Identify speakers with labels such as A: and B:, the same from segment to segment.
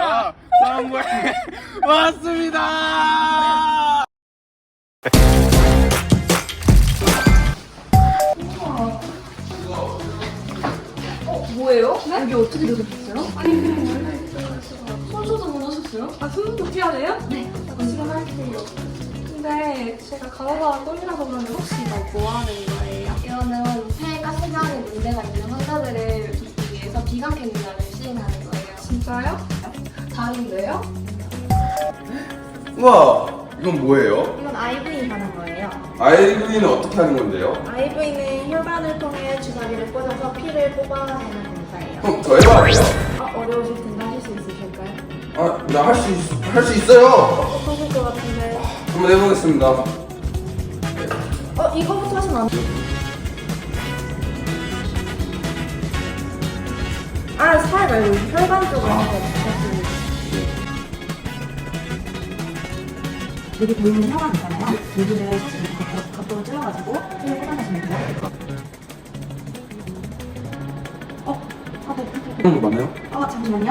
A: 저희가 성공에 왔습니다.
B: 뭐예요? 네? 여기 어떻게 들어오셨어요? 아니 그냥 원래 있어가지고 손소도 못 오셨어요? 아 손도 필요해요? 네 지금 할게요. 근데 제가 간호사가 꼴이라서 그런데 혹시 이거 뭐 하는 거예요?
C: 이거는 폐가 세장에 문제가 있는 환자들을 돕기 위해서 비강 캐뉼라를 시행하는 거예요.
B: 진짜요?
C: 다른데요?
A: 우와, 이건 뭐예요?
D: 이건 IVing 하는 거예요.
A: IV는 어떻게 하는 건데요?
D: IV는 혈관을 통해 주사기를 꽂아서 피를 뽑아내는 검사예요.
A: 그럼 저 해봐요.
D: 어려우실 텐데 하실 수 있으실까요?
A: 아, 나 할 수 있어요.
D: 어떠실 것 같은데?
A: 한번 해보겠습니다.
D: 이거부터 하시면 안 돼요? 살 말고 혈관 쪽으로 하는 거 여기 보이는 혈관 있잖아요. 여기를 각도를 찔러가지고 피를 뽑아내시면 돼요.
A: 그런 거 맞나요?
D: 잠시만요.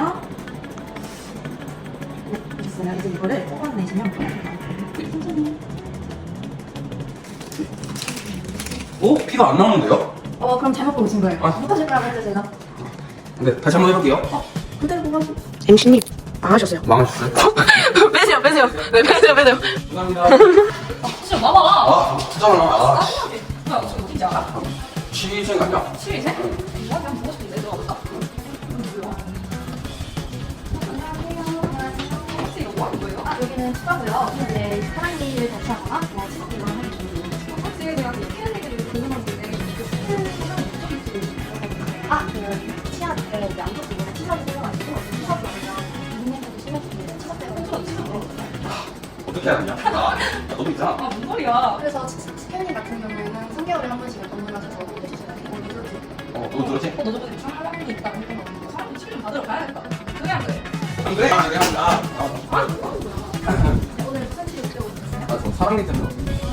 D: 네, 됐어요. 이제 이거를 뽑아내시면 천천히.
A: 피가 안 나오는데요?
D: 그럼 잘못 보신 거예요.
A: 아.
D: 못하실까요, 그래서 제가?
A: 네, 다시 한번 해볼게요.
D: 그대로 뽑아주세요. MC님, 망하셨어요.
A: 망하셨어요?
B: 빼세요 빼세요. 네 빼세요 빼세요.
A: 감사합니다.
B: 진짜 봐봐.
A: 아, 진짜나. 아,
B: 뭐야 혹시 어딘지 알아?
A: 취생 아니야?
B: 취위생? 뭐 그냥 보고 싶은데 들어가볼까? 혹시 이거 뭐 하는 거예요?
D: 여기는 추가고요. 이제 사랑니를 대체하거나 그냥 치료만 하는 중이에요.
B: 혹시 내가 이 피해 얘기를 궁금한데 그 피해 소장이 어떻게 있어요?
D: 치아, 이제 안쪽 부분에 치사를 생겨가지고 치사도 아니라 눈에서도 심해지는데 치사 때문에
A: 어떻게 하느냐? 너도 있잖아.
B: 아뭔 소리야?
C: 그래서 스캐닝 같은 경우에는 3개월에 한 번씩 방문하셔서 해주셔야 돼요.
A: 너도 들었지?
B: 너 저번에 대충 하는 게 있다 그랬던 거 같은데 사람들이 치료 좀 받으러 가야겠다. 그래 안 그래?
A: 안 그래? 안 그래?
C: 오늘 무슨 치료 들어오셨어요
A: 저 사랑니 때문에.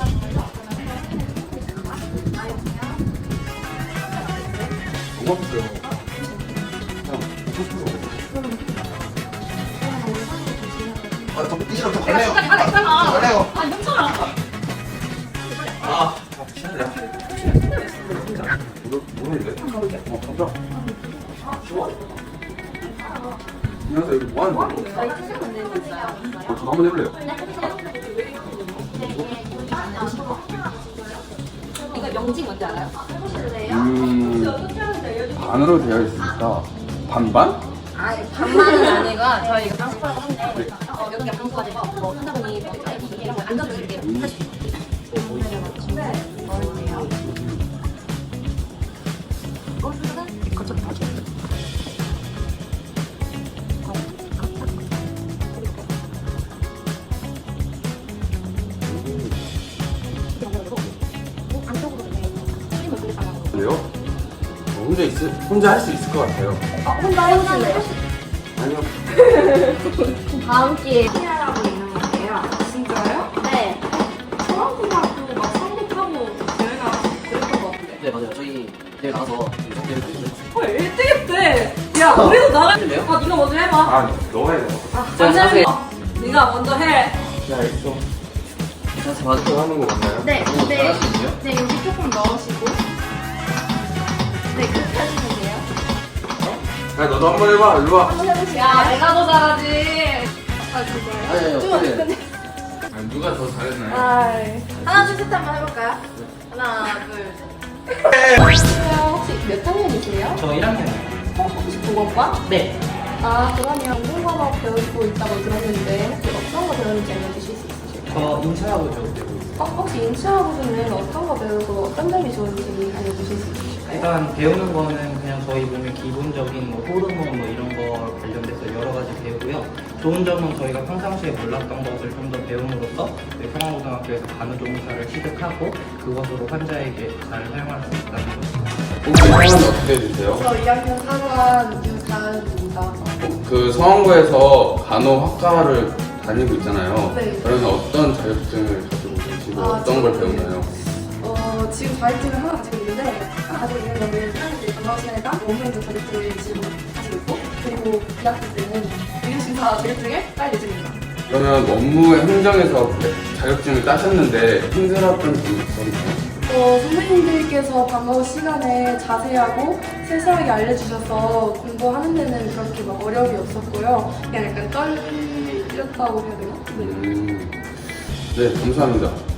A: 너무 아팠어요. 저 이시랑 저
B: 내가
A: 갈래요.
B: 시간이 하나 있잖아.
A: 갈래요.
B: 아 괜찮아.
A: 신나요. 모르는데? 가보자. 쉬워. 안녕하세요. 여기 뭐 하는 거예요?
C: 저희 투명 만들고 있어요.
A: 저도 한번 해볼래요.
B: 이거 명칭 뭔지 알아요?
C: 해보실래요?
A: 반으로 되어 있으니까 반반?
B: 반만은 아니고 저희 이거 방송하고 하는데 여기가 방송하고 뭐 환자분이 이런 거 앉아주실게요.
A: 그래요? 혼자 할 수 있을 것 같아요.
D: 혼자 해보실래요?
A: 아니요.
D: 다음 기회에 피아라고 유명한데요.
B: 진짜요?
D: 네.
B: 중앙고등학교 막 성곡하고 대회 나가서 그랬던 것 같은데.
E: 네 맞아요. 저희 대회 나가서 성대를 했는데
B: 헐 1등했대. 야 우리도 나가.
E: 해줄래요?
B: 네가 먼저 해봐.
A: 아, 너가 해야 돼.
B: 먼저 해. 네가 먼저 해.
A: 자, 알겠어.
E: 자세 맞으세요.
A: 하는 거 맞나요?
D: 네, 네.
E: 잘할 수 있어요?
D: 네, 여기 조금 넣으시고. 네, 그렇게 하시면 돼요.
A: 야, 너도 한번 해봐. 일로 와.
D: 한번 해보실까요?
B: 야 내가 더 잘하지.
D: 아, 진짜요?
E: 아니요.
D: 좀
E: 네.
D: 근데.
A: 아니, 누가 더 잘했나요?
D: 하나, 둘, 셋 한번 해볼까요? 하나, 둘, 셋.
C: 혹시 몇 학년이세요?
E: 저 1학년이요.
C: 혹시 보건과?
E: 네.
C: 아 그러면 인공과학 배우고 있다고 들었는데 혹시 어떤 거 배우는지 알려주실 수 있으실까요?
E: 저 인체학을 배우고 있어요.
C: 혹시 인체학으로는 어떤 거 배우고 어떤 점이 좋은지 알려주실 수 있으실까요?
E: 일단 배우는 거는 그냥 저희 몸의 기본적인 뭐 호르몬 뭐 이런 거 관련돼서 여러 가지 배우고요. 좋은 점은 저희가 평상시에 몰랐던 것을 좀 더 배움으로써 저희 성화고등학교에서 간호조무사를 취득하고 그것으로 환자에게 잘 사용할 수 있다는 거죠.
A: 성함이 어떻게 되세요?
C: 저 2학년 4반 유다은입니다.
A: 그 성원고에서 간호학과를 다니고 있잖아요.
C: 네.
A: 그러면 어떤 자격증을 가지고 계시고 어떤 걸 배우나요?
C: 지금 자격증을 하나 가지고 있는데 가지고 있는 거는 사람들이 건강 시간에 딱 업무행정 자격증을 지금 가지고 있고 그리고 2학기 때는 의료심
B: 다 자격증을 딸 예정입니다.
A: 그러면 업무의 행정에서 자격증을 따셨는데 힘들었던 점이 있었나요?
F: 선생님들께서 방과후 시간에 자세하고 세세하게 알려주셔서 공부하는 데는 그렇게 막 어려움이 없었고요. 그냥 약간 떨렸다고 해야 되나? 네.
A: 네, 감사합니다.